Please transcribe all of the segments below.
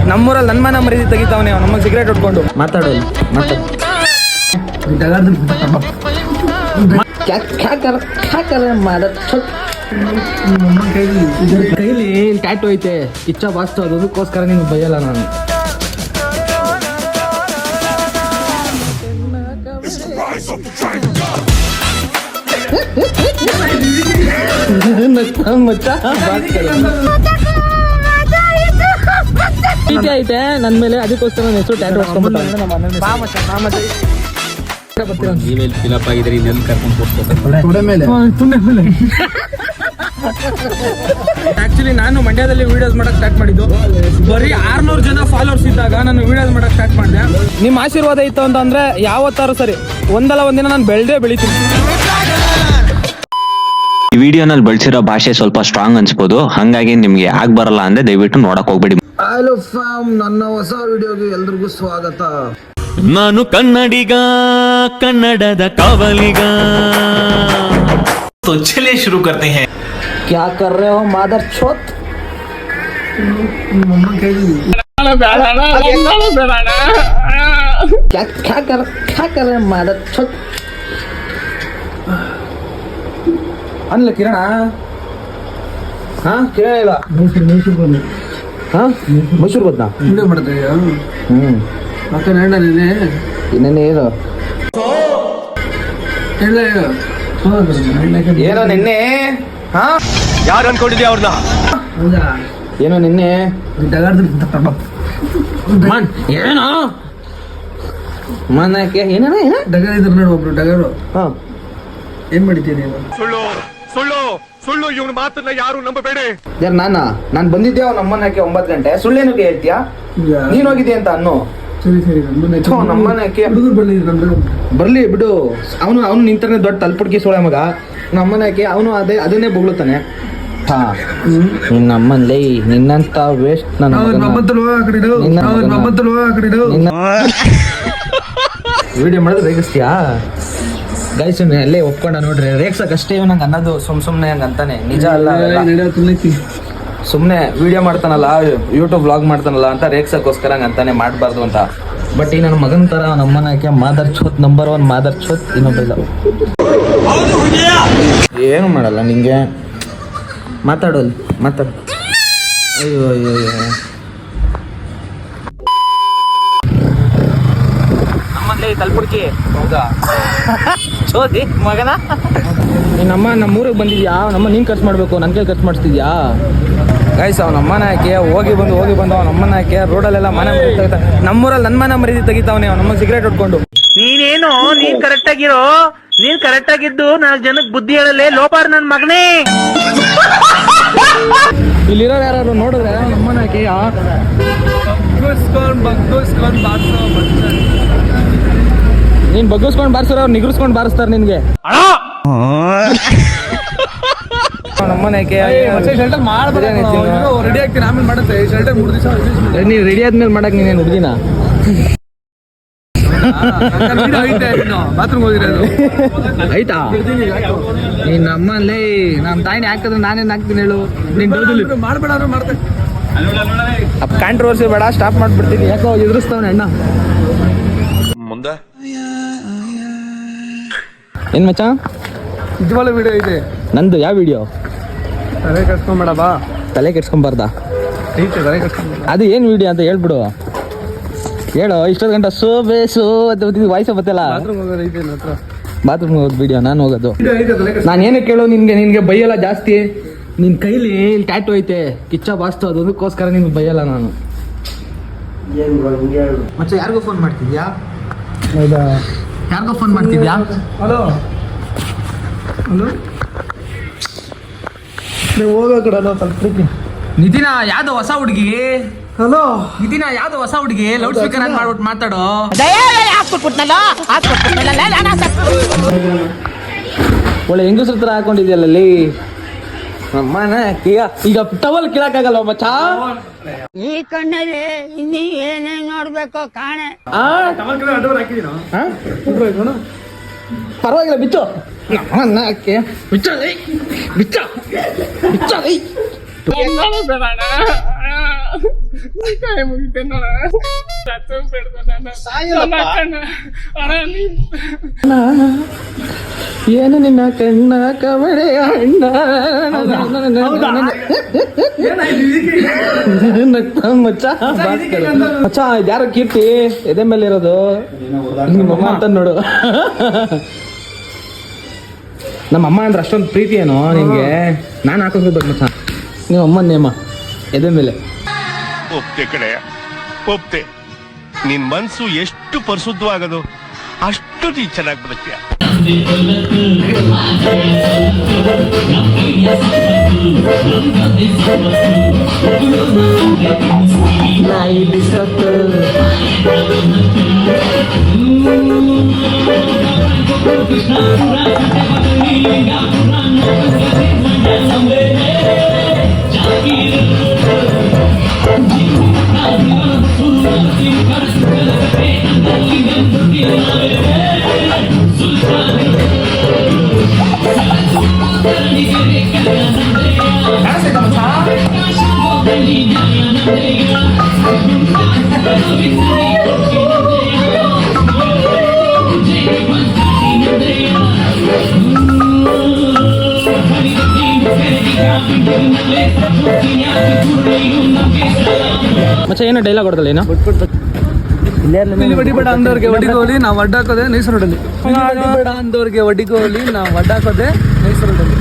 ನಮ್ಮೂರಲ್ಲಿ ನನ್ನ ಮನ ಮರೀದಿ ತೆಗಿತಾವನೆ ನಮಗೆ ಸಿಗರೇಟ್ ಹೊಡ್ಕೊಂಡು ಮಾತಾಡೋದು ಕೈಲಿ ಟ್ಯಾಟು ಐತೆ ಇಚ್ಛಾ ಬಾಸ್ತು ಅದಕ್ಕೋಸ್ಕರ ನಿಮ್ಗೆ ಬೈಯಲ್ಲ ನಾನು. ಐತೆ ನನ್ನ ಮೇಲೆ ಅದಕ್ಕೋಸ್ಕರ ನನ್ನ ಹೆಸರು ಟ್ಯಾಟು ಆಕ್ಚುಲಿ ನಾನು ಮಂಡ್ಯದಲ್ಲಿ ವಿಡಿಯೋಸ್ ಮಾಡಕ್ ಸ್ಟಾರ್ಟ್ ಮಾಡಿದ್ದು ಬರೀ 600 ಜನ ಫಾಲೋವರ್ಸ್ ಇದ್ದಾಗ ನಾನು ವಿಡಿಯೋಸ್ ಮಾಡಕ್ ಸ್ಟಾರ್ಟ್ ಮಾಡಿದೆ. ನಿಮ್ಮ ಆಶೀರ್ವಾದ ಇತ್ತು ಅಂತಂದ್ರೆ ಯಾವತ್ತಾರು ಸರಿ ಒಂದಲ್ಲ ಒಂದಿನ ನಾನು ಬೆಳಿತೀನಿ. ಈ ವಿಡಿಯೋನಲ್ಲಿ ಬಳಸಿರೋ ಭಾಷೆ ಸ್ವಲ್ಪ ಸ್ಟ್ರಾಂಗ್ ಅನ್ಸ್ಬೋದು, ಹಂಗಾಗಿ ನಿಮ್ಗೆ ಆಗ್ ಬರಲ್ಲ ಅಂದ್ರೆ ದಯವಿಟ್ಟು ನೋಡಕ್ ಹೋಗ್ಬೇಡಿ. ಹಲೋ ಫ್ಯಾಮ್, ನನ್ನ ಹೊಸ ವಿಡಿಯೋಗೆ ಎಲ್ರಿಗೂ ಸ್ವಾಗತ. ನಾನು ಕನ್ನಡಿಗ, ಕನ್ನಡದ ಕಾವಲಿಗ. तो चलिए शुरू करते हैं. क्या कर रहे हो मादर चोत? क्या कर रहे हो मादर चोत? ಅನ್ಲ ಕಿರಣ ಕಿರಣ ಇಲ್ಲ ಮೈಸೂರು ಬಂದ ಮತ್ತೆ ಇನ್ನೇನು ಏನೋ ನಿನ್ನೆ ಯಾರು ಅನ್ಕೊಂಡಿದ್ಯಾ ಅವ್ರನ್ನ? ಏನೋ ನಿನ್ನೆ ಏನೋ ಮನಕ್ಕೆ ಏನೇನ ಡಗರ್ ಇದ್ರು ನೋಡು ಒಬ್ರು ಡಗರು ಏನ್ ಮಾಡಿದ್ದೀನಿ ಸುಳ್ಳು ಇವನ ಮಾತನ್ನ ಯಾರು ನಂಬಬೇಡಿ. ಯಾರು ನಾನು ಬಂದಿದ್ದೆ ಅವ್ನ ಅಮ್ಮನ ಯಾಕೆ 9 ಗಂಟೆ ಸುಳ್ಳೇನಕ್ಕೆ ಹೇಳ್ತೀಯಾ? ನೀನ್ ಹೋಗಿದ್ದೆ ಅಂತ ಅನ್ನು ನಮ್ಮನಕ್ಕೆ ಬರ್ಲಿ ಬಿಡು. ಅವನು ನಿಂತಾನೆ ದೊಡ್ಡ ತಲ್ಪುಡ್ಕಿ ಸೋಳೆ ಮಗ. ನಮ್ಮನಕ್ಕೆ ಅವನು ಅದನ್ನೇ ಬೊಗಳುತ್ತಾನೆ. ನಮ್ಮಲ್ಲಿ ನಿನ್ನಂತ ವೇಸ್ಟ್ ವಿಡಿಯೋ ಮಾಡಿದ್ರೆ ರೇಗಿಸ್ತೀಯಾ ಗೈಸ್? ಅಲ್ಲೇ ಒಪ್ಕೊಂಡ ನೋಡ್ರಿ, ರೇಗ್ಸಕ್ಕಷ್ಟೇ ನಂಗೆ ಅನ್ನೋದು ಸುಮ್ನೆ ಹಂಗ ಅಂತಾನೆ, ನಿಜ ಅಲ್ಲ. ಸುಮ್ಮನೆ ವಿಡಿಯೋ ಮಾಡ್ತಾನಲ್ಲ, ಯೂಟ್ಯೂಬ್ ವ್ಲಾಗ್ ಮಾಡ್ತಾನಲ್ಲ ಅಂತ ರೇಗ್ಸಕ್ಕೋಸ್ಕರ ಹಂಗ ಅಂತಾನೆ, ಮಾಡಬಾರ್ದು ಅಂತ. ಬಟ್ ಈ ನನ್ನ ಮಗನ ತರ ನಮ್ಮನ್ನ ಯಾಕೆ ಮಾದರ್ ಛೋತ್ ನಂಬರ್ 1 ಮಾದರ್ ಛೋತ್ ಇನ್ನೊಬ್ಬ ಏನು ಮಾಡಲ್ಲ ನಿಂಗೆ. ಮಾತಾಡೋದು ಅಯ್ಯೋ ನಮ್ಮಲ್ಲಿ ತಲ್ಪುಡ್ಕಿ ಹೌದಾ ಚೋದಿ ಮಗನ. ನಮ್ಮೂರಿಗೆ ಬಂದಿದ್ಯಾ? ನಮ್ಮ ನೀನು ಖರ್ಚು ಮಾಡಬೇಕು, ನನ್ನ ಕೈ ಖರ್ಚು ಮಾಡಿಸ್ತಿದ್ಯಾ? ಗೈಸ್ ಅವ್ನ ಅಮ್ಮನ ಹಾಕಿ ಹೋಗಿ ಬಂದು ಅವ್ನ ಅಮ್ಮನ ಹಾಕಿ ರೋಡಲ್ಲೆಲ್ಲ ಮನೆ ನಮ್ಮೂರಲ್ಲಿ ನನ್ನ ಮನೆ ಮರೀದಿ ತೆಗಿತಾವನೆ ನಮ್ಮ ಸಿಗರೇಟ್ ಹೊಡ್ಕೊಂಡು. ನೀನ್ ಕರೆಕ್ಟ್ ಆಗಿದ್ದು 4 ಜನಕ್ಕೆ ಬುದ್ಧಿ ಹೇಳಲೇ ಲೋಪಾರ್ ನನ್ ಮಗನೇ. ಇಲ್ಲಿರೋ ಯಾರು ನೋಡಿದ್ರೆ ನಮ್ಮನ ಹಾಕಿ ನೀನ್ ಬಗ್ಗಿಸ್ಕೊಂಡ್ ಬಾರಿಸ್ರ ಅವ್ರು ನಿಗರ್ಸ್ಕೊಂಡ್ ಬಾರಿಸ್ತಾರ ನಿನ್ಗೆ. ರೆಡಿ ಆಗ್ತೀನಿ ಆಮೇಲೆ ಮಾಡತ್ತೆ. ನೀನ್ ರೆಡಿ ಆದ್ಮೇಲೆ ಮಾಡಕ್ ನೀನೇನು ಹುಡುಗಿನ? ಬಾತ್ರೂಮ್ ಹೋಗಿರೋದು ಆಯ್ತಾ? ನೀನ್ ನಮ್ಮಲ್ಲಿ ನಮ್ಮ ತಾಯಿನ ಹಾಕಿದ್ರೆ ನಾನೇನ್ ಹಾಕ್ತೀನಿ ಹೇಳು? ನೀನ್ ಮಾಡ್ಬೇಡ ಮಾಡ್ತೇನೆ. ಕಾಂಟ್ರವರ್ಸಿ ಬೇಡ, ಸ್ಟಾಪ್ ಮಾಡ್ಬಿಡ್ತೀನಿ. ಯಾಕೋ ಎದುರಿಸ್ತಾವನೆ ಅಣ್ಣ ಮುಂದೆ. ಏನ್ ಮಚ್ಚ ನಿಜವಾದ ವಿಡಿಯೋ ಇದೆ ನಂದು? ಯಾವ ವಿಡಿಯೋ? ತಲೆ ಕೆಡ್ಸ್ಕೊಂಬೇಡ ಬಾ. ತಲೆ ಕೆಡ್ಸ್ಕೊಂಬಾರ್ದ? ಅದು ಏನ್ ವಿಡಿಯೋ ಅಂತ ಹೇಳ್ಬಿಡು. ಹೇಳು. ಇಷ್ಟೊಂದು ಗಂಟೆ ಸೋಬೇಸು ಅಂತ ವಾಯ್ಸ ಬತ್ತಲ್ಲ. ಬಾತ್ರೂಮ್ ಹೋಗೋದು ವಿಡಿಯೋ ನಾನು ಹೋಗೋದು. ನಾನು ಏನಕ್ಕೆ ಕೇಳೋ ನಿನ್ಗೆ ಬೈಯಲ್ಲ ಜಾಸ್ತಿ. ನಿನ್ ಕೈಲಿ ಟ್ಯಾಟು ಐತೆ ಕಿಚ್ಚ ಬಾಸ್ತು ಅದಕ್ಕೋಸ್ಕರ ನಿನ್ಗೆ ಬೈಯಲ್ಲ ನಾನು. ಮತ್ತೆ ಯಾರಿಗೋ ಫೋನ್ ಮಾಡ್ತಿದ್ಯಾ? ಹೌದಾ? ಯಾರಿಗೋ ಫೋನ್ ಮಾಡ್ತಿದ್ಯಾ? ಹಲೋ ನೀವು ಹೋಗೋ ಕಡೆ ತಲುಪ್ತೀನಿ. ನಿತಿನ ಯಾವ್ದು ಹೊಸ ಹುಡುಗಿ? ಹಲೋ ನಿತಿನ ಯಾವ್ದು ಹೊಸ ಹುಡುಗಿ? ಲೌಡ್ ಸ್ಪೀಕರ್ ಆನ್ ಮಾಡ್ಬಿಟ್ಟು ಮಾತಾಡೋ. ಒಳ್ಳೆ ಹೆಂಗಸ್ರ ಹತ್ರ ಹಾಕೊಂಡಿದ್ಯಲ್ಲಲ್ಲಿ ನಮ್ಮನ. ಈಗ ಟವಲ್ ಕೀಳಕ್ಕಾಗಲ್ಲ ಮಚ್ಚ. ಈ ಕಣ್ಣಲ್ಲಿ ಇನ್ನೀ ಏನೇ ನೋಡ್ಬೇಕು ಕಾಣೆ. ಪರವಾಗಿಲ್ಲ ಬಿಚ್ಚು. ಬಿಚ್ಚ ಬಿಚ್ಚ ಬಿಚ್ಚ ಏನು ನಿನ್ನ ಕಣ್ಣ ಕವಡೆ ಅಣ್ಣ ಮಚ್ಚ ಮಚ್ಚ ಯಾರೋ ಕೀರ್ತಿ ಎದೆ ಮೇಲೆ ಇರೋದು ನಿಮ್ಮಮ್ಮ ಅಂತ ನೋಡು. ನಮ್ಮಮ್ಮ ಅಂದ್ರೆ ಅಷ್ಟೊಂದು ಪ್ರೀತಿ ಏನೋ ನಿನ್ಗೆ? ನಾನು ಹಾಕೋಸ್ಕೋಬೇಕು ಮಚ್ಚ ನಿಮ್ಮ ಅಮ್ಮನ ನೇಮ ಎದೆ ಮೇಲೆ. ಒಪ್ತೆ ಕಡೆ ಒಪ್ತೆ. ನಿನ್ ಮನ್ಸು ಎಷ್ಟು ಪರಿಶುದ್ಧವಾಗದು ಅಷ್ಟು ನೀ ಚೆನ್ನಾಗಿ ಬದುಕ್ತೀಯ. ಮಚ್ಚ ಏನೋ ಡೈಲಾಗ್ ಹೊಡೆದಲ್ಲ ಏನೋ? ಹೊಡಿಬೇಡ ಅಂದವ್ರಿಗೆ ಹೊಡಿಗೋಲಿ ನಾವು ಅಡ್ಡಾಕೋದೆ ನೈಸರೋಡಲ್ಲಿ. ಹೊಡಿಬೇಡ ಅಂದವ್ರಿಗೆ ಹೊಡಿಗೋಲಿ ನಾವು ಅಡ್ಡಾಕೋದೆ ನೈಸರೋಡಲ್ಲಿ.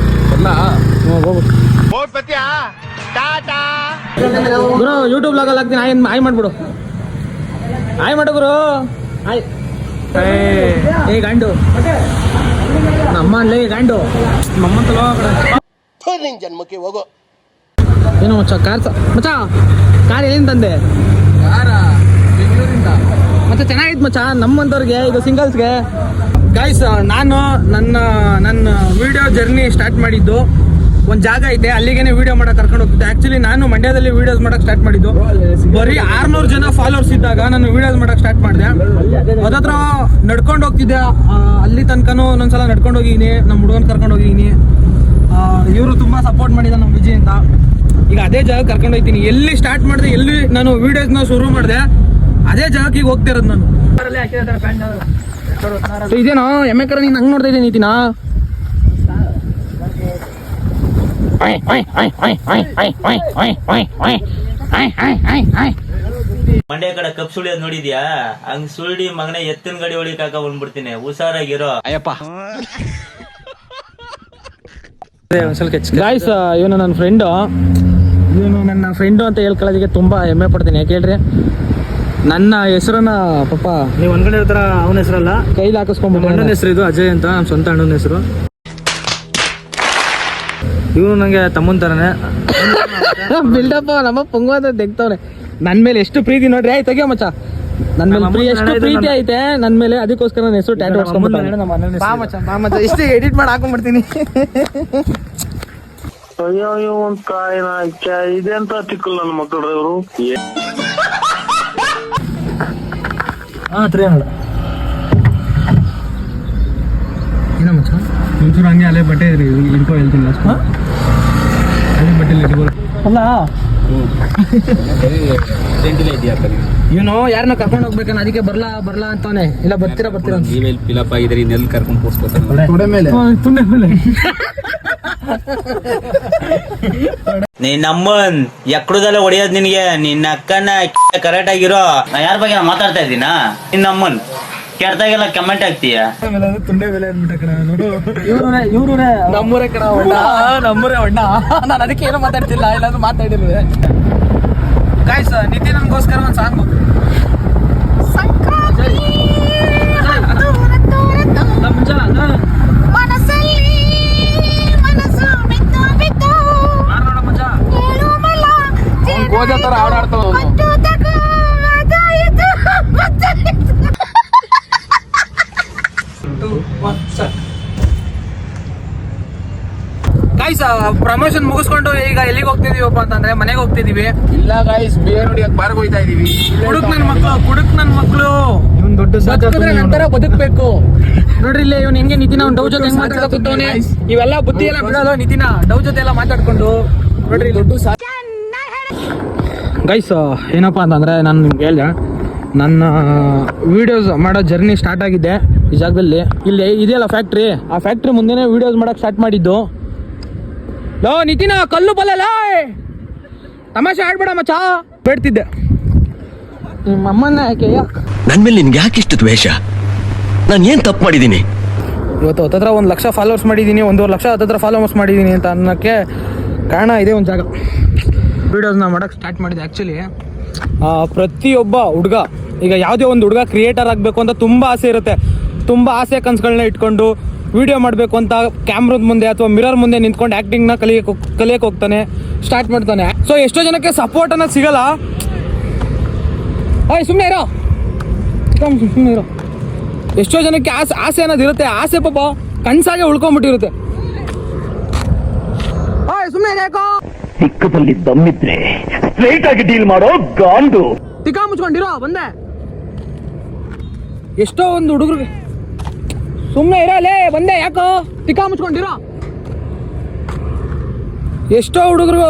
ಗುರು ಯೂಟ್ಯೂಬ್ ಲಾಗಲ್ಲಿ ಹಾಕ್ತೀನಿ. ಆಯ್ ಮಾಡ್ಬಿಡು. ಆಯ್ ಮಾಡು ಗುರು. ಆಯ್ ಏ ಗಾಂಡು ನಮ್ಮ ಅಲ್ಲೇ ಗಾಂಡು ನಮ್ಮಂತಲೋ ಜನ್ಮಕ್ಕೆ ಹೋಗೋ. ಏನೋ ಮಚ್ಚ ಮಚ್ಚ ಕಾರ್ ಎಲ್ಲಿಂದ ತಂದೆ? ಬೆಂಗಳೂರಿಂದ. ಮತ್ತೆ ಚೆನ್ನಾಗಿತ್ತು ಮಚ್ಚ ನಮ್ಮಂತವ್ರಿಗೆ, ಇದು ಸಿಂಗಲ್ಸ್ಗೆ. ಗೈಸ್ ನಾನು ನನ್ನ ವಿಡಿಯೋ ಜರ್ನಿ ಸ್ಟಾರ್ಟ್ ಮಾಡಿದ್ದು ಒಂದು ಜಾಗ ಐತೆ, ಅಲ್ಲಿಗೇನೆ ವಿಡಿಯೋ ಮಾಡಕ್ಕೆ ಕರ್ಕೊಂಡು ಹೋಗ್ತಿದ್ದೆ. ಆ್ಯಕ್ಚುಲಿ ನಾನು ಮಂಡ್ಯದಲ್ಲಿ ವಿಡಿಯೋಸ್ ಮಾಡಕ್ಕೆ ಸ್ಟಾರ್ಟ್ ಮಾಡಿದ್ದು. ಬರೀ 600 ಜನ ಫಾಲೋವರ್ಸ್ ಇದ್ದಾಗ ನಾನು ವಿಡಿಯೋಸ್ ಮಾಡಕ್ಕೆ ಸ್ಟಾರ್ಟ್ ಮಾಡಿದೆ. ಅದತ್ರ ನಡ್ಕೊಂಡು ಹೋಗ್ತಿದ್ದೆ. ಅಲ್ಲಿ ತನಕನೂ ಒಂದೊಂದ್ಸಲ ನಡ್ಕೊಂಡು ಹೋಗಿದ್ದೀನಿ, ನಮ್ಮ ಹುಡುಗನ ಕರ್ಕೊಂಡು ಹೋಗಿದ್ದೀನಿ. ಇವರು ತುಂಬ ಸಪೋರ್ಟ್ ಮಾಡಿದ ನಮ್ಮ ವಿಜಯ್ ಅಂತ. ಈಗ ಅದೇ ಜಾಗ ಕರ್ಕೊಂಡು ಹೋಗ್ತೀನಿ. ಎಲ್ಲಿ ಸ್ಟಾರ್ಟ್ ಮಾಡಿದೆ, ಎಲ್ಲಿ ನಾನು ವಿಡಿಯೋಸ್ನ ಶುರು ಮಾಡಿದೆ, ಅದೇ ಜಾಗಕ್ಕೆ ಈಗ ಹೋಗ್ತಾ ಇರೋದು ನಾನು. ಇದೇನೋ ಎಮ್ಮೆ ಕರ ನೀನು ಹಂಗೆ ನೋಡ್ತಾ ಇದ್ದೀನಿ ನೀತಿನಾ? ಮಂಡ್ಯ ಕಡೆ ಕಪ್ ಸುಳಿಯೋದ್ ನೋಡಿದ್ಯಾ? ಹಂಗ್ ಸುಳ್ಳಿ ಮಗನೇ ಎತ್ತಿನ ಗಾಡಿ ಹೊಡಿಕಾಕ ಬಂದ್ಬಿಡ್ತೀನಿ. ಹುಷಾರಾಗಿರೋ ಅಯ್ಯಪ್ಪ. ಗಾಯ್ಸ್ ಇವನು ನನ್ನ ಫ್ರೆಂಡು. ಇವನು ನನ್ನ ಫ್ರೆಂಡು ಅಂತ ಹೇಳ್ಕೊಳ್ಳೋದಕ್ಕೆ ತುಂಬಾ ಹೆಮ್ಮೆ ಪಡ್ತೀನಿ. ಯಾಕೆ ಹೇಳ್ರಿ, ನನ್ನ ಹೆಸರನ್ನ ಪಾಪ ನೀವು ಅನ್ಕೊಂಡಿರ್ತಾರ ಅವನ ಹೆಸರಲ್ಲ, ಕೈಲಿ ಹಾಕಿಸ್ಕೊಂಡ್ಬಿಟ್ಟು. ಅಣ್ಣನ ಹೆಸರು ಇದು ಅಜಯ್ ಅಂತ, ನಮ್ಮ ಸ್ವಂತ ಅಣ್ಣನ ಹೆಸರು. ಇವನು ನಂಗೆ ತಮ್ಮನ ತರನೇ. ಬಿಲ್ಡಪ್ಪ ನಮ್ಮ ಪೊಂಗು ಅಂತ ತೆಗ್ತವ್ರೆ. ನನ್ನ ಮೇಲೆ ಎಷ್ಟು ಪ್ರೀತಿ ನೋಡ್ರಿ. ಆಯ್ತು ತೆಗಿಯೋ ಮಚ್ಚ, ನನ್ನ ಮೇಲೆ ಎಷ್ಟು ಪ್ರೀತಿ ಐತೆ ನನ್ನ ಮೇಲೆ. ಅದಕ್ಕೋಸ್ಕರ ನನ್ನ ಹೆಸರು ಟ್ಯಾಟೂ ಹಾಕ್ಸ್ಕೊಂಡ್ಬಿಟ್ಟು ಇಷ್ಟು ಎಡಿಟ್ ಮಾಡಿ ಹಾಕೊಂಡ್ಬಿಡ್ತೀನಿ. ಅಯ್ಯೋ ಒಂದ್ ಕಾಯಿನ ಇದೆಂತ ತಿಕ್ಕಲ್ ನನ್ನ ಮಕ್ಕಳು ಇವರು. ಏನೋ ಮಚ್ಚ ಒಂಚೂರು ಹಂಗೆ ಅಲ್ಲೇ ಬಟ್ಟೆ ಇಟ್ಕೊ ಹೇಳ್ತೀನಿ. ಅಲ್ಲೇ ಬಟ್ಟೆ ಇಟ್ಕೊ ಅಲ್ಲ. ಇವನು ಯಾರನ್ನ ಕರ್ಕೊಂಡು ಹೋಗ್ಬೇಕನ್ನ ಅದಕ್ಕೆ ಬರ್ಲಾ ಅಂತಾನೆ. ಇಲ್ಲ ಬರ್ತೀರಾ ಫಿಲಪ್ ಆಗಿದ್ರೆ ಇನ್ನೆಲ್ಲಿ ಕರ್ಕೊಂಡು ಕೂರ್ಸ್ಕೊತಾರೆ ತುಂಡೆ ಮೇಲೆ. ನಿನ್ನಮ್ಮನ್ ಎಕ್ಕಡದಲ್ಲ ಹೊಡಿಯೋದ್ ನಿನ್ಗೆ. ನಿನ್ನ ಅಕ್ಕನ ಕರೆಕ್ಟ್ ಆಗಿರೋ. ನಾ ಯಾರ ಬಗ್ಗೆ ಮಾತಾಡ್ತಾ ಇದ್ದೀನಾ? ನಿನ್ನಮ್ಮನ್ ಕೆಡ್ತಾಗೆಲ್ಲ ಕಮೆಂಟ್ ಆಗ್ತೀಯ. ತುಂಡೆ ಬೆಲೆ ಅಂದ್ಬಿಟ್ಟ ಕಣ. ಇವ್ರೇ ನಮ್ಮೂರೇ ಕಣ. ನಮ್ಮೂರೇ ಅಣ್ಣ. ನಾನು ಅದಕ್ಕೆ ಏನೋ ಮಾತಾಡ್ತಿಲ್ಲ, ಇಲ್ಲಾಂದ್ರೆ ಮಾತಾಡಿರುವೆ. ಗಾಯ್ಸ್ ನಿತಿನ್ ನನ್ಗೋಸ್ಕರ ಒಂದು ಸಾಂಗ್. ಗೋಜಾ ತರ ಹಾಡಾಡ್ತಾವ. ಗೈಸ್ ಪ್ರಮೋಷನ್ ಮುಗಿಸ್ಕೊಂಡು ಈಗ ಎಲ್ಲಿಗೆ ಹೋಗ್ತಿದೀವಪ್ಪ ಅಂತಂದ್ರೆ ಮನೆಗೆ ಹೋಗ್ತಿದೀವಿ. ಇಲ್ಲ ಗಾಯ್ಸ್, ಬೇರೆ ನೋಡಿಯಕ್ ಬಾರ್ಗೆ ಹೋಯ್ತಾ ಇದೀವಿ. ಕುಡುಕ್ ನನ್ ಮಕ್ಳು ಇವನ್ ದೊಡ್ಡ ನಂತರ ಬದುಕ್ಬೇಕು ನೋಡ್ರಿ. ಇಲ್ಲಿ ಇವ್ನು ಹೆಂಗೆ ನಿತಿನ ಅವ್ನು ಡವ್ ಜೊತೆ ಹೆಂಗ್ ಮಾತಾಡ್ಕೊತವನೆ. ಇವೆಲ್ಲ ಬುದ್ಧಿ ಎಲ್ಲ ಬಿಡೋದು ನಿತಿನ ಡವ್ ಜೊತೆ ಎಲ್ಲ ಮಾತಾಡ್ಕೊಂಡು ನೋಡ್ರಿ. ದೊಡ್ಡ ಗೈಸ್ ಏನಪ್ಪ ಅಂತಂದರೆ ನಾನು ನಿಮ್ಗೆ ಹೇಳಿದೆ ನನ್ನ ವೀಡಿಯೋಸ್ ಮಾಡೋ ಜರ್ನಿ ಸ್ಟಾರ್ಟ್ ಆಗಿದ್ದೆ ಈ ಜಾಗದಲ್ಲಿ. ಇಲ್ಲಿ ಇದೆಯಲ್ಲ ಫ್ಯಾಕ್ಟ್ರಿ, ಆ ಫ್ಯಾಕ್ಟ್ರಿ ಮುಂದೆನೇ ವೀಡಿಯೋಸ್ ಮಾಡೋಕ್ಕೆ ಸ್ಟಾರ್ಟ್ ಮಾಡಿದ್ದು. ಲೋ ನಿತಿನ ಕಲ್ಲು ಬಲ್ಲಲ್ಲ, ತಮಾಷೆ ಆಡ್ಬೇಡ ಮಚ್ಚ ಬೇಡ್ತಿದ್ದೆ. ನಿಮ್ಮ ಅಮ್ಮನ ಯಾಕೆ ನನ್ ಮೇಲೆ ನಿನ್ಗೆ ಯಾಕೆ ಇಷ್ಟು ದ್ವೇಷ? ನಾನು ಏನ್ ತಪ್ಪು ಮಾಡಿದ್ದೀನಿ? ಇವತ್ತು ಹತ್ತತ್ರ 1 ಲಕ್ಷ ಫಾಲೋವರ್ಸ್ ಮಾಡಿದ್ದೀನಿ, 1.5 ಲಕ್ಷ ಹತ್ತತ್ರ ಫಾಲೋವರ್ಸ್ ಮಾಡಿದ್ದೀನಿ ಅಂತ ಅನ್ನೋಕ್ಕೆ ಕಾರಣ ಇದೆ ಒಂದು ಜಾಗ. ವೀಡಿಯೋಸ್ನ ಮಾಡೋಕ್ಕೆ ಸ್ಟಾರ್ಟ್ ಮಾಡಿದೆ. ಆ್ಯಕ್ಚುಲಿ ಪ್ರತಿಯೊಬ್ಬ ಹುಡುಗ, ಈಗ ಯಾವುದೇ ಒಂದು ಹುಡುಗ ಕ್ರಿಯೇಟರ್ ಆಗಬೇಕು ಅಂತ ತುಂಬ ಆಸೆ ಇರುತ್ತೆ. ತುಂಬ ಆಸೆ ಕನಸುಗಳನ್ನ ಇಟ್ಕೊಂಡು ವೀಡಿಯೋ ಮಾಡಬೇಕು ಅಂತ ಕ್ಯಾಮ್ರದ ಮುಂದೆ ಅಥವಾ ಮಿರರ್ ಮುಂದೆ ನಿಂತ್ಕೊಂಡು ಆ್ಯಕ್ಟಿಂಗ್ನ ಕಲಿಯಕ್ಕೆ ಹೋಗ್ತಾನೆ, ಸ್ಟಾರ್ಟ್ ಮಾಡ್ತಾನೆ. ಸೊ ಎಷ್ಟೋ ಜನಕ್ಕೆ ಸಪೋರ್ಟ್ ಅನ್ನೋದು ಸಿಗಲ್ಲ. ಸುಮ್ಮನೆ ಇರೋ, ಸುಮ್ಮನೆ ಇರೋ. ಎಷ್ಟೋ ಜನಕ್ಕೆ ಆಸೆ ಅನ್ನೋದು ಇರುತ್ತೆ, ಆಸೆ ಪಾಪ ಕನಸಾಗೆ ಉಳ್ಕೊಂಡ್ಬಿಟ್ಟಿರುತ್ತೆ. ಸುಮ್ಮನೆ ಯಾಕೋ ಚಿಕ್ಕದಲ್ಲಿ ದಮ್ಮಿದ್ರೆ ಸ್ಟ್ರೈಟ್ ಆಗಿ ಡೀಲ್ ಮಾಡೋ ಗಾಂಡು. ತಿಕ್ಕಾ ಮುಚ್ಕೊಂಡಿರೋ ಬಂದೆ. ಎಷ್ಟೋ ಒಂದು ಹುಡುಗರಿಗೆ ಸುಮ್ಮನೆ ಇರೋಲೇ ಬಂದೆ, ಯಾಕೋ ತಿಕ್ಕಾ ಮುಚ್ಕೊಂಡಿರೋ. ಎಷ್ಟೋ ಹುಡುಗರು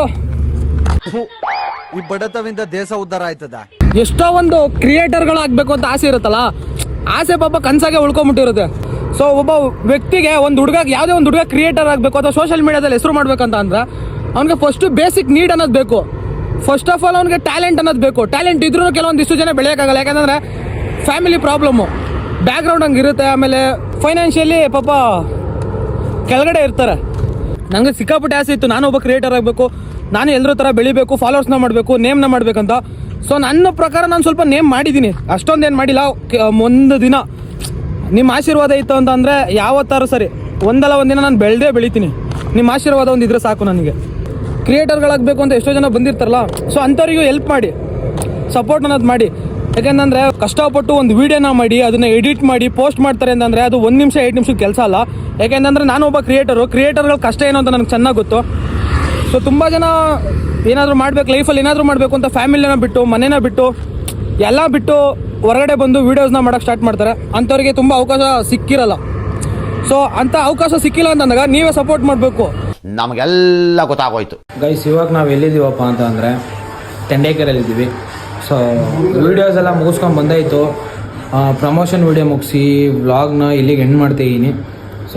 ಈ ಬಡತವಿಂದ ದೇಶ ಉದ್ಧಾರ ಆಯ್ತದ. ಎಷ್ಟೋ ಒಂದು ಕ್ರಿಯೇಟರ್ಗಳಾಗಬೇಕು ಅಂತ ಆಸೆ ಇರುತ್ತಲ್ಲ, ಆಸೆ ಪಾಪ ಕನಸಾಗೆ ಉಳ್ಕೊಂಬಿಟ್ಟಿರುತ್ತೆ. ಸೊ ಒಬ್ಬ ವ್ಯಕ್ತಿಗೆ ಒಂದು ಹುಡುಗ, ಯಾವುದೇ ಒಂದು ಹುಡುಗ ಕ್ರಿಯೇಟರ್ ಆಗಬೇಕು ಅಥವಾ ಸೋಷಿಯಲ್ ಮೀಡಿಯಾದಲ್ಲಿ ಹೆಸರು ಮಾಡ್ಬೇಕಂತ ಅಂದ್ರೆ ಅವ್ನಿಗೆ ಫಸ್ಟು ಬೇಸಿಕ್ ನೀಡ್ ಅನ್ನೋದು ಬೇಕು. ಫಸ್ಟ್ ಆಫ್ ಆಲ್ ಅವ್ನಿಗೆ ಟ್ಯಾಲೆಂಟ್ ಅನ್ನೋದು ಬೇಕು. ಟ್ಯಾಲೆಂಟ್ ಇದ್ರೂ ಕೆಲವೊಂದಿಷ್ಟು ಜನ ಬೆಳೆಯೋಕ್ಕಾಗಲ್ಲ, ಯಾಕಂದರೆ ಫ್ಯಾಮಿಲಿ ಪ್ರಾಬ್ಲಮ್ಮು, ಬ್ಯಾಕ್ಗ್ರೌಂಡ್ ಹಂಗೆ ಇರುತ್ತೆ. ಆಮೇಲೆ ಫೈನಾನ್ಷಿಯಲಿ ಪಾಪ ಕೆಳಗಡೆ ಇರ್ತಾರೆ. ನನಗೆ ಸಿಕ್ಕಾಪಟ್ಟೆ ಆಸೆ ಇತ್ತು, ನಾನು ಒಬ್ಬ ಕ್ರಿಯೇಟರ್ ಆಗಬೇಕು, ನಾನು ಎಲ್ಲರ ಥರ ಬೆಳಿಬೇಕು, ಫಾಲೋವರ್ಸ್ನ ಮಾಡಬೇಕು, ನೇಮ್ನ ಮಾಡಬೇಕಂತ. ಸೊ ನನ್ನ ಪ್ರಕಾರ ನಾನು ಸ್ವಲ್ಪ ನೇಮ್ ಮಾಡಿದ್ದೀನಿ, ಅಷ್ಟೊಂದೇನು ಮಾಡಿಲ್ಲ. ಒಂದು ದಿನ ನಿಮ್ಮ ಆಶೀರ್ವಾದ ಇತ್ತು ಅಂತಂದರೆ ಯಾವತ್ತಾರು ಸರಿ ಒಂದಲ್ಲ ಒಂದಿನ ನಾನು ಬೆಳಿತೀನಿ. ನಿಮ್ಮ ಆಶೀರ್ವಾದ ಒಂದಿದ್ರೆ ಸಾಕು ನನಗೆ. ಕ್ರಿಯೇಟರ್ಗಳಾಗಬೇಕು ಅಂತ ಎಷ್ಟೋ ಜನ ಬಂದಿರ್ತಾರಲ್ಲ, ಸೊ ಅಂಥವ್ರಿಗೂ ಹೆಲ್ಪ್ ಮಾಡಿ, ಸಪೋರ್ಟ್ ಅನ್ನೋದು ಮಾಡಿ. ಯಾಕೆಂತಂದರೆ ಕಷ್ಟಪಟ್ಟು ಒಂದು ವೀಡಿಯೋನ ಮಾಡಿ ಅದನ್ನು ಎಡಿಟ್ ಮಾಡಿ ಪೋಸ್ಟ್ ಮಾಡ್ತಾರೆ ಅಂತಂದರೆ ಅದು 1 ನಿಮಿಷ 2 ನಿಮಿಷದ ಕೆಲಸ ಅಲ್ಲ. ಯಾಕೆಂತಂದರೆ ನಾನು ಒಬ್ಬ ಕ್ರಿಯೇಟರ್ಗಳ ಕಷ್ಟ ಏನು ಅಂತ ನನಗೆ ಚೆನ್ನಾಗಿ ಗೊತ್ತು. ಸೊ ತುಂಬ ಜನ ಏನಾದರೂ ಮಾಡಬೇಕು ಲೈಫಲ್ಲಿ, ಏನಾದರೂ ಮಾಡಬೇಕು ಅಂತ ಫ್ಯಾಮಿಲಿನ ಬಿಟ್ಟು, ಮನೇನ ಬಿಟ್ಟು, ಎಲ್ಲ ಬಿಟ್ಟು ಹೊರಗಡೆ ಬಂದು ವೀಡಿಯೋಸ್ನ ಮಾಡೋಕ್ಕೆ ಸ್ಟಾರ್ಟ್ ಮಾಡ್ತಾರೆ. ಅಂಥವ್ರಿಗೆ ತುಂಬ ಅವಕಾಶ ಸಿಕ್ಕಿರಲ್ಲ. ಸೊ ಅಂಥ ಅವಕಾಶ ಸಿಕ್ಕಿಲ್ಲ ಅಂತಂದಾಗ ನೀವೇ ಸಪೋರ್ಟ್ ಮಾಡಬೇಕು. ನಮಗೆಲ್ಲ ಗೊತ್ತಾಗೋಯ್ತು ಗೈಸ್. ಇವಾಗ ನಾವು ಎಲ್ಲಿದ್ದೀವಪ್ಪ ಅಂತ ಅಂದರೆ ತೆಂಡೇಕೆರೆಯಲ್ಲಿದ್ದೀವಿ. ಸೊ ವೀಡಿಯೋಸ್ ಎಲ್ಲ ಮುಗಿಸ್ಕೊಂಡು ಬಂದಾಯಿತು. ಪ್ರಮೋಷನ್ ವೀಡಿಯೋ ಮುಗಿಸಿ ವ್ಲಾಗ್ನ ಇಲ್ಲಿಗೆ ಎಂಡ್ ಮಾಡ್ತಾಯಿದ್ದೀನಿ. ಸೊ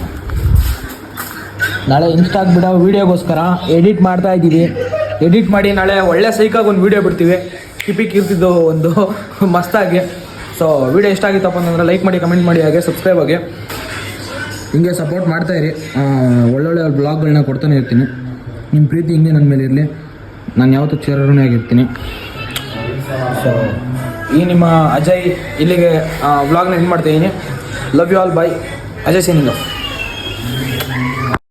ನಾಳೆ ಇನ್ಸ್ಟಾಗ್ ಬಿಡೋ ವೀಡಿಯೋಗೋಸ್ಕರ ಎಡಿಟ್ ಮಾಡ್ತಾ ಇದ್ದೀವಿ. ಎಡಿಟ್ ಮಾಡಿ ನಾಳೆ ಒಳ್ಳೆ ಸೈಕಾಗಿ ಒಂದು ವೀಡಿಯೋ ಬಿಡ್ತೀವಿ, ಇರ್ತಿದ್ದು ಒಂದು ಮಸ್ತಾಗಿ. ಸೊ ವೀಡಿಯೋ ಇಷ್ಟ ಆಗಿತ್ತಪ್ಪ ಅಂತಂದರೆ ಲೈಕ್ ಮಾಡಿ, ಕಮೆಂಟ್ ಮಾಡಿ, ಹಾಗೆ ಸಬ್ಸ್ಕ್ರೈಬ್ ಆಗಿ ಹಿಂಗೆ ಸಪೋರ್ಟ್ ಮಾಡ್ತಾಯಿರಿ. ಒಳ್ಳೊಳ್ಳೆ ಬ್ಲಾಗ್ಗಳನ್ನ ಕೊಡ್ತಾನೆ ಇರ್ತೀನಿ. ನಿಮ್ಮ ಪ್ರೀತಿ ಹಿಂಗೆ ನನ್ನ ಮೇಲೆ ಇರಲಿ. ನಾನು ಯಾವತ್ತೂ ಚಿರಋಣಿ ಆಗಿರ್ತೀನಿ. ಸೊ ಈ ನಿಮ್ಮ ಅಜಯ್ ಇಲ್ಲಿಗೆ ವ್ಲಾಗ್ನ ಎಂಡ್ ಮಾಡ್ತಾಯಿದ್ದೀನಿ. Love you all, bye. Ajay Singh.